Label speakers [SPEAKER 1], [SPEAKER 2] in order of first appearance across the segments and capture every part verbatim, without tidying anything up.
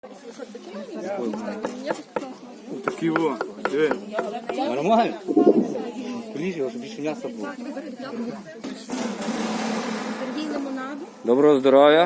[SPEAKER 1] Такі во, диви.
[SPEAKER 2] Нормально? Поліж його, щоб більше м'яса було.
[SPEAKER 3] Доброго здоров'я.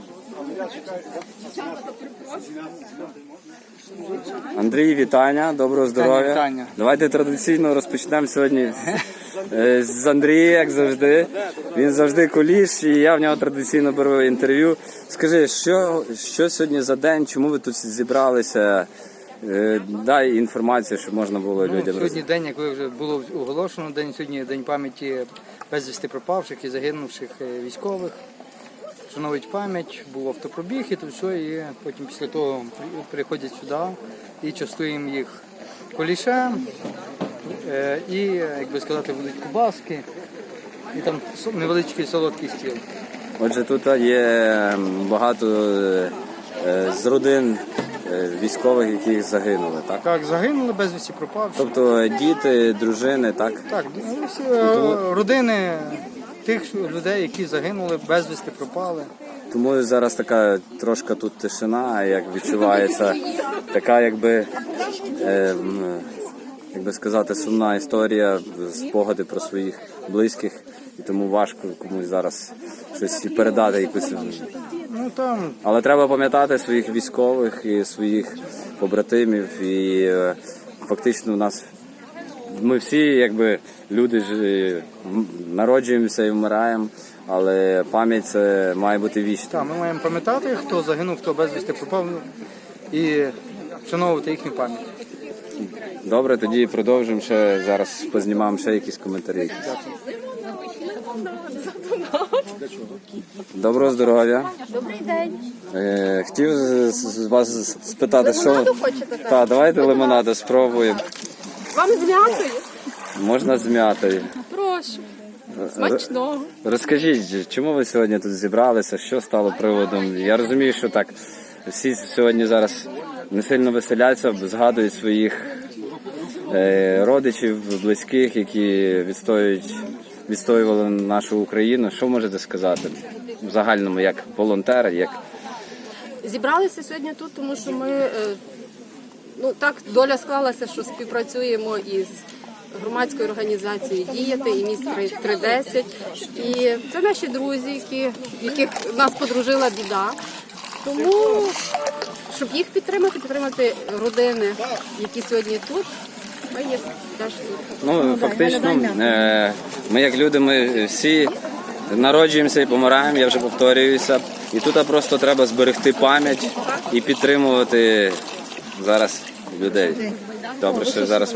[SPEAKER 3] Андрій, вітання, доброго здоров'я.
[SPEAKER 2] Вітання.
[SPEAKER 3] Давайте традиційно розпочнемо сьогодні з, з Андрія, як завжди. Він завжди куліш, і я в нього традиційно беру інтерв'ю. Скажи, що, що сьогодні за день, чому ви тут зібралися? Дай інформацію, щоб можна було
[SPEAKER 2] Ну,
[SPEAKER 3] людям
[SPEAKER 2] сьогодні день, як ви вже було оголошено, день сьогодні день пам'яті безвісти пропавших і загинувших військових. Шановують пам'ять, був автопробіг і то все, і потім після того приходять сюди і частуємо їх кулішем, і, як би сказати, будуть кубаски, і там невеличкий солодкий стіл.
[SPEAKER 3] Отже, тут є багато з родин військових, які загинули, так?
[SPEAKER 2] Так, загинули, безвісті пропавши.
[SPEAKER 3] Тобто діти, дружини, так?
[SPEAKER 2] Так, всі родини тих людей, які загинули, безвісти пропали.
[SPEAKER 3] Тому зараз така трошки тут тишина, як відчувається, така якби, е, як би сказати, сумна історія, спогади про своїх близьких, і тому важко комусь зараз щось і передати якусь.
[SPEAKER 2] Ну, там...
[SPEAKER 3] Але треба пам'ятати своїх військових і своїх побратимів, і е, фактично у нас ми всі, якби, люди ж народжуємося і вмираємо, але пам'ять це має бути вічна.
[SPEAKER 2] Так, ми маємо пам'ятати, хто загинув, хто безвісти пропав, і вшановувати їхню пам'ять.
[SPEAKER 3] Добре, тоді продовжимо ще, зараз познімаємо ще якісь коментарі. Доброго здоров'я.
[SPEAKER 4] Добрий день.
[SPEAKER 3] Е, хотів з, з вас спитати,
[SPEAKER 4] Лимонаду
[SPEAKER 3] що...
[SPEAKER 4] хочете?
[SPEAKER 3] Так, давайте лимонаду спробуємо.
[SPEAKER 4] Вам з м'ятою?
[SPEAKER 3] Можна з м'ятою.
[SPEAKER 4] Прошу. Смачного.
[SPEAKER 3] Розкажіть, чому ви сьогодні тут зібралися, що стало приводом? Я розумію, що так, всі сьогодні зараз не сильно веселяться, згадують своїх е, родичів, близьких, які відстоюють, відстоювали нашу Україну. Що можете сказати в загальному, як волонтер, як...
[SPEAKER 4] Зібралися сьогодні тут, тому що ми, е, ну так, доля склалася, що співпрацюємо із громадською організацією «Діяти» і міст три десять. І це наші друзі, які, яких нас подружила біда. Тому, щоб їх підтримати, підтримати родини, які сьогодні тут, ми є теж тут.
[SPEAKER 3] Ну, фактично, е, ми як люди, ми всі народжуємося і помираємо, я вже повторююся. І тут просто треба зберегти пам'ять і підтримувати зараз людей. Добре, що зараз...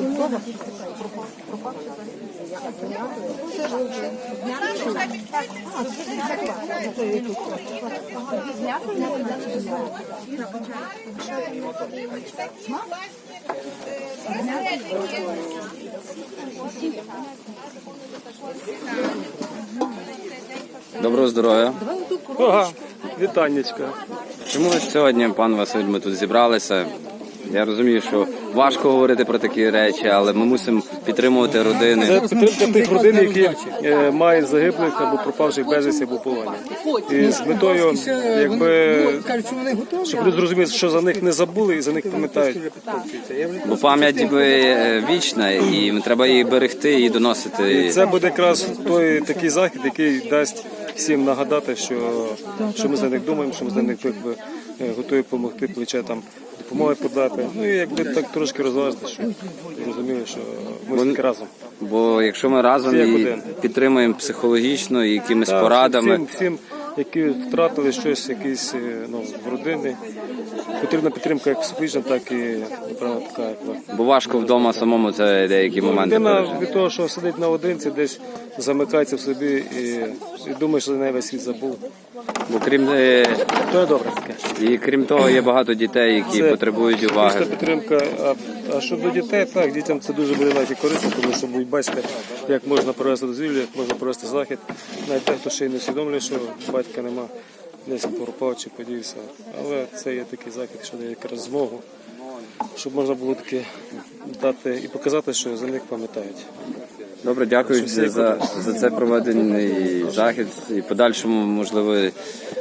[SPEAKER 3] Доброго здоров'я.
[SPEAKER 1] Ага, вітаннячка.
[SPEAKER 3] Чому сьогодні, пан Василь, ми тут зібралися? Я розумію, що важко говорити про такі речі, але ми мусимо підтримувати родини.
[SPEAKER 1] Це підтримка тих родин, які е, мають загиблих або пропавших безвісті або полоні. І з метою, якби, щоб люди зрозуміли, що за них не забули і за них пам'ятають.
[SPEAKER 3] Бо пам'ять якби вічна, і треба її берегти і доносити.
[SPEAKER 1] І це буде якраз той такий захід, який дасть всім нагадати, що, що ми за них думаємо, що ми за них якби, готові допомогти, плече там допомоги подати. Ну і якби так трошки розважити, щоб розуміли, що ми всі разом.
[SPEAKER 3] Бо якщо ми разом і підтримуємо психологічно і якимись
[SPEAKER 1] Так,
[SPEAKER 3] порадами.
[SPEAKER 1] Всім, всім, які втратили щось, якісь, ну, в родини, потрібна підтримка як психологічна, так і, напевно, така. Як...
[SPEAKER 3] Бо важко вдома самому це деякі моменти
[SPEAKER 1] Людина
[SPEAKER 3] пережити.
[SPEAKER 1] від того, що сидить наодинці, десь замикається в собі і, і думає, що за неї весь світ забув.
[SPEAKER 3] Бо крім е,
[SPEAKER 1] То є добре таке.
[SPEAKER 3] і крім того, є багато дітей, які
[SPEAKER 1] Це
[SPEAKER 3] потребують уваги.
[SPEAKER 1] психологічна підтримка. А, а щодо дітей, так, дітям це дуже буде навіть і корисно, тому що будуть бачити, як можна провести дозвілля, як можна провести захід. Навіть те, хто ще й не усвідомлює, що батька нема, десь пропав чи подівся. Але це є такий захід, що дає якраз змогу, щоб можна було таки дати і показати, що за них пам'ятають.
[SPEAKER 3] Добре, дякую за, за це проведений захід і подальшому, можливо,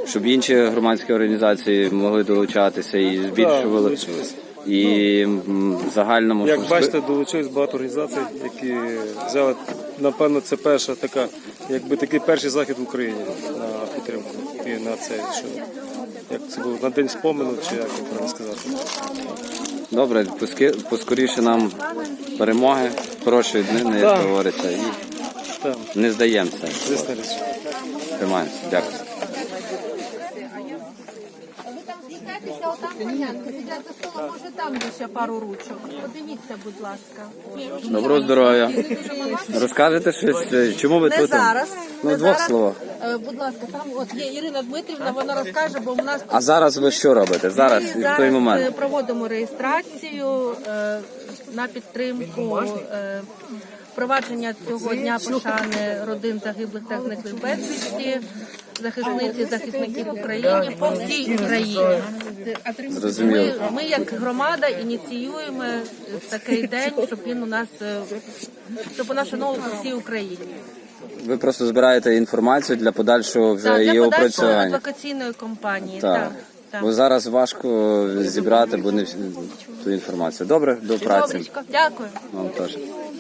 [SPEAKER 3] щоб інші громадські організації могли долучатися і
[SPEAKER 1] Так,
[SPEAKER 3] збільшували.
[SPEAKER 1] долучились.
[SPEAKER 3] І м, в загальному
[SPEAKER 1] Як
[SPEAKER 3] щоб-
[SPEAKER 1] бачите, долучились багато організацій, які взяли, напевно, це перша така, якби такий перший захід в Україні на підтримку і на це, що як це було на день спомену, чи як правильно сказати.
[SPEAKER 3] добре, поски- поскоріше нам перемоги, хорошої днини, як
[SPEAKER 1] Так.
[SPEAKER 3] говориться, і
[SPEAKER 1] Так,
[SPEAKER 3] не здаємося.
[SPEAKER 1] звісно річ.
[SPEAKER 3] Тримаємося. Дякую.
[SPEAKER 5] Шукайтеся отам понятно, сидять за столом, може там є ще пару ручок. Подивіться, будь ласка.
[SPEAKER 3] Доброго здоров'я. Розкажете щось, е, чому ви
[SPEAKER 5] Не
[SPEAKER 3] тут?
[SPEAKER 5] зараз.
[SPEAKER 3] Ну,
[SPEAKER 5] не
[SPEAKER 3] в двох
[SPEAKER 5] зараз.
[SPEAKER 3] словах.
[SPEAKER 5] Е, Будь ласка, там от є Ірина Дмитрівна, вона розкаже, бо в нас
[SPEAKER 3] А зараз ви що робите? Зараз,
[SPEAKER 5] ми
[SPEAKER 3] і в той
[SPEAKER 5] зараз е,
[SPEAKER 3] момент.
[SPEAKER 5] проводимо реєстрацію е, на підтримку е, впровадження цього дня пошани родин загиблих та зниклих безвісті, захисниць і захисників України по всій Україні.
[SPEAKER 3] Зрозуміло.
[SPEAKER 5] Ми, ми як громада ініціюємо такий день, щоб він у нас е, щоб у нас шановував по всій Україні.
[SPEAKER 3] Ви просто збираєте інформацію для подальшого вже
[SPEAKER 5] Так,
[SPEAKER 3] її
[SPEAKER 5] для подальшої
[SPEAKER 3] опрацювання.
[SPEAKER 5] адвокаційної кампанії.
[SPEAKER 3] Так.
[SPEAKER 5] Так, так.
[SPEAKER 3] Бо зараз важко зібрати, бо не всі- ту інформацію. Добре, до праці.
[SPEAKER 5] Добречко, дякую.
[SPEAKER 3] Вам теж.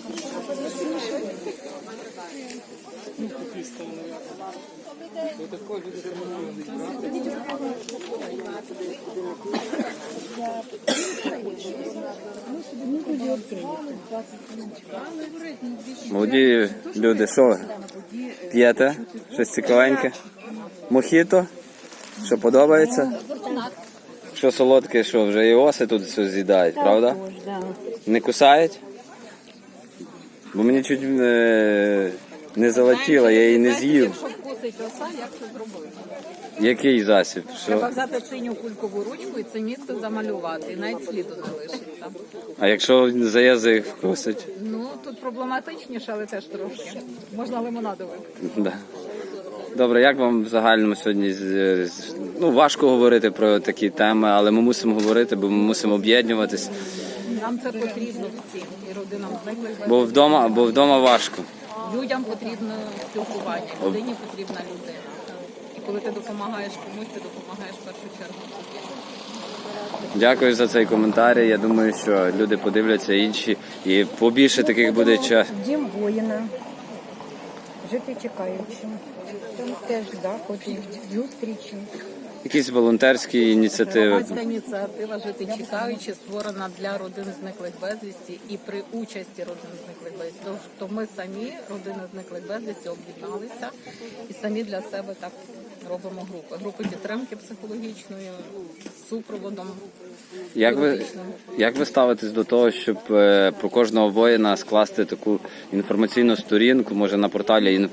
[SPEAKER 3] Молоді люди, що ви? П'єте? Щось цікавеньке? Мохіто? Що подобається? Що солодке, що вже і оси тут все з'їдають, правда? Не кусають? Бо мені чуть не, не залетіло, я її не з'їв.
[SPEAKER 6] Якщо вкусить оса, як це зробити?
[SPEAKER 3] Який засіб?
[SPEAKER 6] Треба
[SPEAKER 3] Що?
[SPEAKER 6] взяти синю кулькову ручку і це місце замалювати, і навіть сліду не лишиться.
[SPEAKER 3] А якщо за язик вкусить?
[SPEAKER 6] Ну, тут проблематичніше, але теж трошки. Можна лимонаду випити.
[SPEAKER 3] Да. Добре, як вам в загальному сьогодні з- з- ну, важко говорити про такі теми, але ми мусимо говорити, бо ми мусимо об'єднуватись,
[SPEAKER 6] Нам це потрібно всім, і родинам зниклих
[SPEAKER 3] бо вдома, бо вдома важко.
[SPEAKER 6] людям потрібно спілкування, людині потрібна людина. І коли ти допомагаєш комусь, ти допомагаєш в першу чергу собі.
[SPEAKER 3] Дякую за цей коментар. Я думаю, що люди подивляться інші і побільше таких буде час.
[SPEAKER 7] Дім воїна, жити чекаючим. Там теж заходи, зустрічі.
[SPEAKER 3] Якісь волонтерські ініціативи.
[SPEAKER 6] Громадська ініціатива «Жити чекаючи» створена для родин зниклих безвісті і при участі родин зниклих безвісті. Тож то ми самі, родини зниклих безвісті, об'єдналися і самі для себе так робимо групи. Групи підтримки психологічної, з супроводом.
[SPEAKER 3] Як ви,
[SPEAKER 6] юридичним.
[SPEAKER 3] як ви ставитесь до того, щоб е, про кожного воїна скласти таку інформаційну сторінку, може на порталі